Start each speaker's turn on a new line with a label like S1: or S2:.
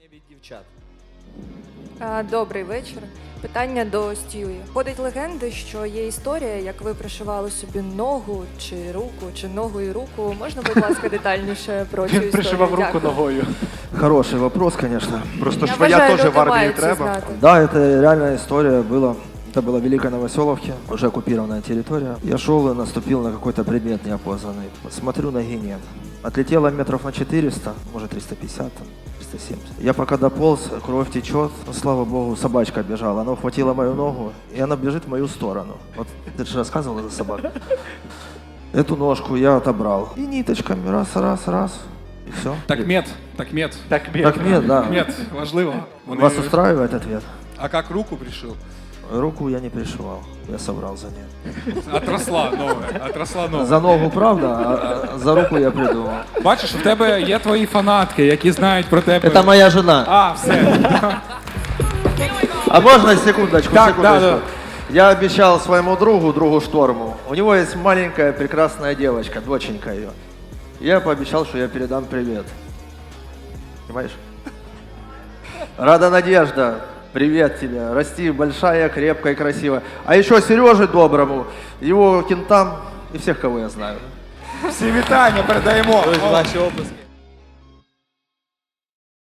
S1: від дівчат.
S2: Добрий вечір. Питання до Стюї. Ходить легенди, що є історія, як ви пришивали собі ногу чи руку, чи ногу і руку. Можна, будь ласка, детальніше про цю історію?
S3: Пришивав руку
S2: Дякую.
S3: ногою.
S4: Хороший вопрос, конечно.
S5: Просто
S2: Я
S5: швея
S2: вважаю,
S5: теж
S2: люди
S5: в армії
S2: мають це
S5: треба.
S2: знати.
S4: Да, это реальная история была. Это было в Великой Новоселовке, уже оккупированная территория. Я шел и наступил на какой-то предмет неопознанный. Смотрю, ноги нет. Отлетело метров на 400, может 350, 370. Я пока дополз, кровь течет. Ну, слава богу, собачка бежала. Она ухватила мою ногу, и она бежит в мою сторону. Вот ты же рассказывал за собаку. Эту ножку я отобрал. И ниточками раз, и все.
S6: Так мед.
S4: Так нет, да.
S6: Мед, важливо. Вони-
S4: Вас устраивает ответ?
S6: А как руку пришил?
S4: Руку я не пришивал, я собрал за ней.
S6: Отросла новая, отросла нова.
S4: За ногу, правда, а за руку я придумал.
S6: Бачиш, в тебе є твої фанатки, які знають про тебе.
S4: Это моя жена.
S6: А, все.
S4: А можно секундочку,
S6: Так,
S4: секундочку?
S6: да.
S4: Я обещал своему другу Шторму, у него есть маленькая прекрасная девочка, доченька ее. Я пообещал, что я передам привет. Понимаешь? Рада Надежда, привет тебе. Расти большая, крепкая и красивая. А еще Сереже Доброму, его кентам и всех, кого я знаю.
S6: Всі вітання передаємо.
S1: Ось ваші оплески.